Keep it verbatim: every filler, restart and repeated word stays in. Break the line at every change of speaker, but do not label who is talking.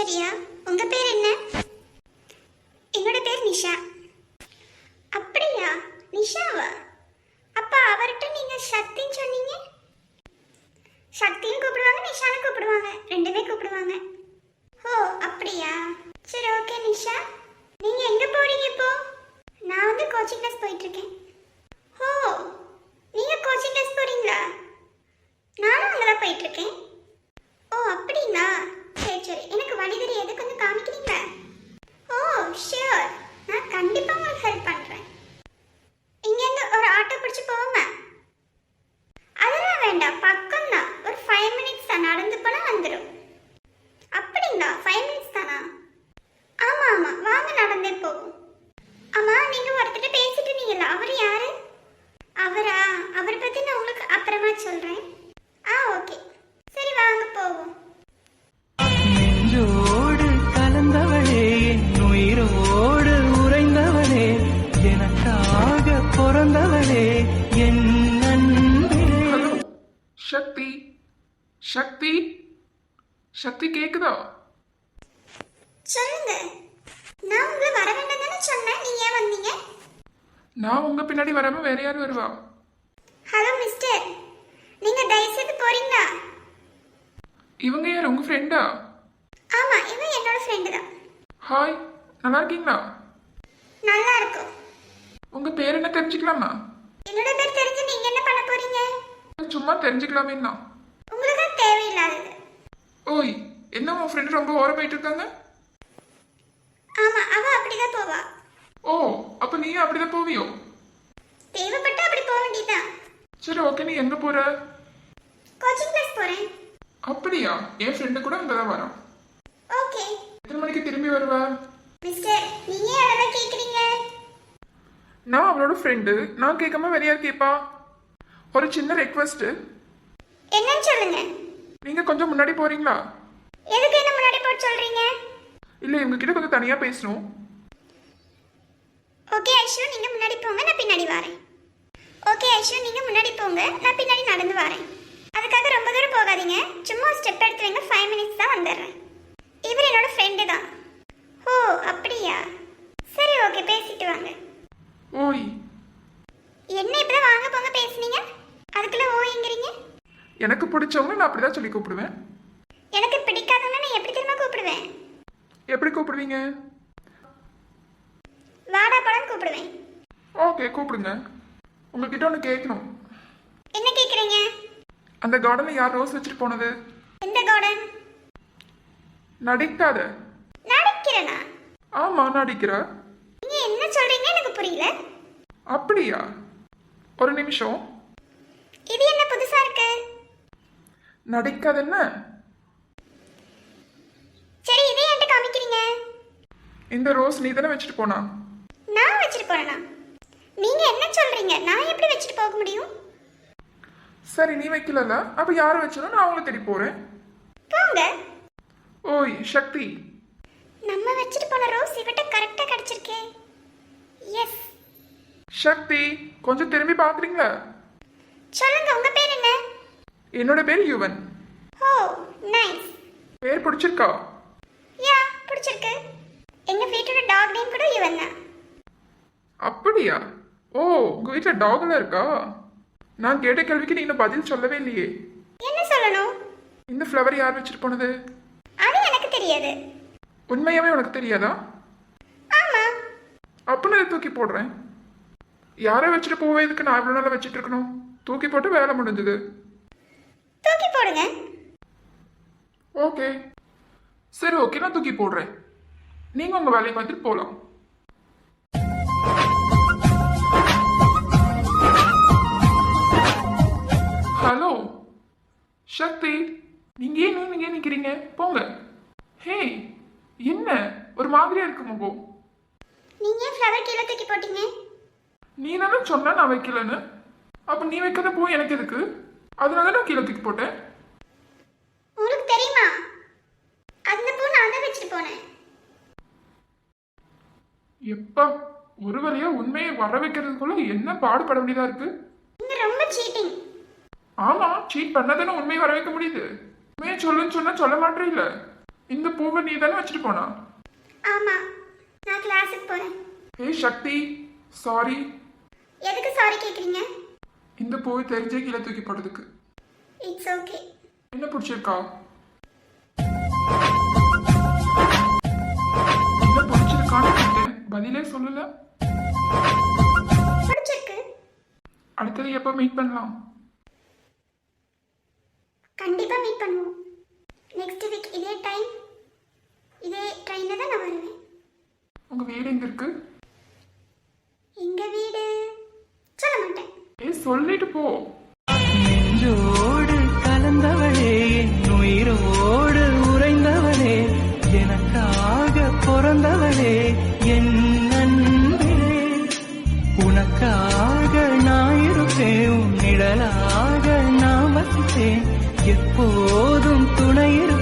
கேட்டியா? உங்க பேர் என்ன? என்னோட பேர் நிஷா. அப்படியா? நிஷாவா? அப்பா அவர்கிட்ட நீங்க சக்தின்னு சொன்னீங்க. சக்தியும் கூப்பிடுவாங்க, நிஷான்னு கூப்பிடுவாங்க, ரெண்டுமே கூப்பிடுவாங்க. ஓ அப்படியா? சரி ஓகே நிஷா, நீங்க எங்க போறீங்க இப்போ? நான் வந்து கோச்சிங் கிளாஸ் போயிட்டு இருக்கேன். ஓ நீங்க கோச்சிங் கிளாஸ் போறீங்களா? நானும் அங்கதான் போயிட்டு இருக்கேன். ஓ அப்படிங்களா? சரி சரி, எனக்கு வழி தெரியாது, கொஞ்சம் காமிக்கிறீங்களா? ஓ ஷியோர், நான் கண்டிப்பா உங்களுக்கு ஹெல்ப் பண்றேன். இங்க இருந்து ஒரு ஆட்டோ பிடிச்சு போவோமா? அதெல்லாம் வேண்டாம், பக்கம் தான், ஒரு ஃபைவ் மினிட்ஸ் தான், நடந்து போனா வந்துடும். அப்படிங்களா? ஃபைவ் மினிட்ஸ் தானா? ஆமா ஆமா, வாங்க நடந்தே போவோம். ஆமா, நீங்க ஒருத்தர் பேசிட்டு இருந்தீங்கல்ல, அவர் யாரு? அவரா? அவரை பத்தி நான் உங்களுக்கு அப்புறமா சொல்றேன். ஆ ஓகே, சரி வாங்க போவோம்.
நெஞ்சோடு கலந்தவளே, என் உயிரோடு உறைந்தவளே, எனக்காக பிறந்தவளே, என் நண்பே.
ஹலோ சக்தி, சக்தி, சக்தி கேக்குதா?
சொல்லுங்க. நான் உங்களை வர வேண்டாம் தானே சொன்னேன், நீங்க ஏன் வந்தீங்க?
நான் உங்க பின்னாடி வராம வேற யாரும் வருவா?
ஹலோ மிஸ்டர், நீங்க தயவு செய்து போறீங்களா?
இவங்க யார், உங்க ஃப்ரெண்டா?
ஆமா, இவன் என்னோட ஃப்ரெண்டு தான்.
ஹாய், நல்லா இருக்கீங்களா?
நல்லா இருக்கும்.
உங்க பேர் என்ன தெரிஞ்சுக்கலாமா?
என்னோட பேர் தெரிஞ்சு நீங்க என்ன பண்ண போறீங்க?
சும்மா தெரிஞ்சுக்கலாமே தான்.
உங்களுக்கு அது தேவையில்லாதது.
ஓய், என்ன உன் ஃப்ரெண்டு ரொம்ப ஓரம் போயிட்டு இருக்காங்க?
ஆமா, அவ அப்படிதான் போவா.
ஓ, அப்ப நீயும் அப்படிதான் போவியோ?
தேவைப்பட்டா அப்படி போக வேண்டியதுதான்.
சரி ஓகே, நீ எங்க போற?
கோச்சிங் கிளாஸ் போறேன்.
அப்படியா? என் ஃப்ரெண்டு கூட அங்கதான் வரான்.
ஓகே.
எத்தனை மணிக்கு திரும்பி வருவ?
மிஸ்டர், நீங்க ஏன் அதெல்லாம் கேக்குறீங்க?
நான் அவளோட ஃப்ரெண்டு, நான் கேட்காம வேற யார் கேட்பா? ஒரு சின்ன ரெக்வஸ்ட்.
என்னன்னு சொல்லுங்க.
நீங்க கொஞ்சம் முன்னாடி போறீங்களா?
எதுக்கு என்ன முன்னாடி போட்டு சொல்றீங்க?
இல்ல, இவங்க கிட்ட கொஞ்சம் தனியா பேசணும்.
ஓகே ஐஷு, நீங்க முன்னாடி போங்க, நான் பின்னாடி வரேன். ஓகே ஐஷு, நீங்க முன்னாடி போங்க, நான் பின்னாடி நடந்து வரேன். அதுக்காக ரொம்ப தூரம் போகாதீங்க, சும்மா ஸ்டெப் எடுத்து வைங்க, ஃபைவ் மினிட்ஸ் தான் வந்துடுறேன். இவர் என்னோட ஃப்ரெண்டு தான். ஓ அப்படியா? சரி ஓகே, பேசிட்டு வாங்க.
ஓய்,
என்ன இப்பதான் வாங்க போங்க பேசுனீங்க, அதுக்குள்ள ஓய்ங்கிறீங்க?
எனக்கு பிடிச்சவங்க நான் அப்படிதான் சொல்லி கூப்பிடுவேன்.
எனக்கு பிடிக்காதவங்க நான் எப்படி திரும்ப கூப்பிடுவேன்?
எப்படி கூப்பிடுவீங்க?
வாடா படம் கூப்பிடுவேன்.
ஓகே, கூப்பிடுங்க. உங்ககிட்ட ஒன்று கேட்கணும்.
என்ன கேக்குறீங்க?
அந்த கார்டன்ல யார் ரோஸ் வச்சுட்டு போனது?
எந்த கார்டன்?
நடிக்காத.
நடிக்கிறேனா?
ஆமா, நடிக்கிற.
நீங்க என்ன சொல்றீங்க எனக்கு புரியல.
அப்படியா? ஒரு நிமிஷம்.
இது என்ன புதுசா இருக்கு?
நடிக்காத என்ன?
சரி, இதே என்கிட்ட காமிக்கிறீங்க.
இந்த ரோஸ் நீ தானே வச்சுட்டு போனா?
நான் வச்சுட்டு போறேனா? நீங்க என்ன சொல்றீங்க? நான் எப்படி வச்சுட்டு போக முடியும்?
சரி, நீ வைக்கலல, அப்ப யாரை வச்சாலும் நான் அவங்கள தேடி போறேன்.
போங்க.
ஓய் சக்தி,
நம்ம வச்சுட்டு போன ரோஸ் இவட்ட கரெக்டா கிடைச்சிருக்கே. எஸ்.
சக்தி, கொஞ்சம் திரும்பி பாக்குறீங்களா?
சொல்லுங்க, உங்க பேர் என்ன?
என்னோட பேர் யுவன்.
ஓ நைஸ்.
பேர் பிடிச்சிருக்கா?
யா, பிடிச்சிருக்கு. எங்க வீட்டோட டாக் நேம் கூட யுவன் தான்.
அப்படியா? ஓ, உங்க வீட்டுல டாக்ல இருக்கா? நான் கேட்ட கேள்விக்கு நீ இன்னும் பதில் சொல்லவே இல்லையே.
என்ன சொல்லணும்?
இந்த ஃப்ளவர் யார் வச்சுட்டு போனது?
அது எனக்கு தெரியாது.
உண்மையாவே உனக்கு தெரியாதா?
ஆமா.
அப்ப நான் தூக்கி போடுறேன். யாரை வச்சுட்டு போவே, இதுக்கு நான் இவ்வளவு நாளா வச்சுட்டு இருக்கணும்? தூக்கி போட்டு வேலை முடிஞ்சது.
தூக்கி போடுங்க.
ஓகே, சரி ஓகே, நான் தூக்கி போடுறேன். நீங்க உங்க வேலையை பார்த்துட்டு போலாம். ஹலோ சக்தி, நீங்க ஏன் நீங்க ஏன் நிக்கிறீங்க? போங்க. ஹே, என்ன ஒரு மாதிரியா இருக்கு முகம்?
நீங்க ஏன் ஃப்ளவர் கீழே தூக்கி போட்டீங்க?
நீ தானே சொன்ன நான் வைக்கலன்னு. அப்ப நீ வைக்காத பூ எனக்கு எதுக்கு? அதனால நான் கீழே தூக்கி போட்டேன்.
உங்களுக்கு தெரியுமா, அந்த பூ நான் தான் வச்சுட்டு போனேன்.
எப்பா, ஒரு வழியா உண்மையை வர வைக்கிறதுக்குள்ள என்ன பாடுபட வேண்டியதா இருக்கு.
நீங்க ரொம்ப சீட்டிங்.
ஆமா, சீட் பண்ணாதானே உண்மையை வர வைக்க முடியுது. உண்மையை சொல்லுன்னு சொன்னா சொல்ல மாட்டே இல்ல. இந்த பூவை நீ தானே வச்சுட்டு போனா?
ஆமா, நான் கிளாஸுக்கு போறேன்.
ஏய் சக்தி, சாரி.
எதுக்கு சாரி கேக்குறீங்க?
இந்த பூவை தெரிஞ்சே கீழே தூக்கி போட்டதுக்கு.
It's okay.
என்ன பிடிச்சிருக்கா? என்ன பிடிச்சிருக்கான்னு கேட்டேன், பதிலே சொல்லல.
பிடிச்சிருக்கு.
அடுத்தது எப்போ மீட் பண்ணலாம்?
கண்டிப்பா மீட் பண்ணுவோம். நெக்ஸ்ட் வீக் இதே டைம் இதே ட்ரெயின்ல தான் நான் வருவேன்.
உங்க வீடு எங்க இருக்கு?
எங்க வீடு சொல்ல மாட்டேன்.
ஏய் சொல்லிட்டு போ.
நெஞ்சோடு கலந்தவளே, என் உயிரோடு உறைந்தவளே, எனக்காக பிறந்தவளே, என் அன்பே. உனக்காக நான் இருப்பேன், உன் நிழலாக நான் வசிப்பேன், எப்போதும் துணை இருப்பேன்.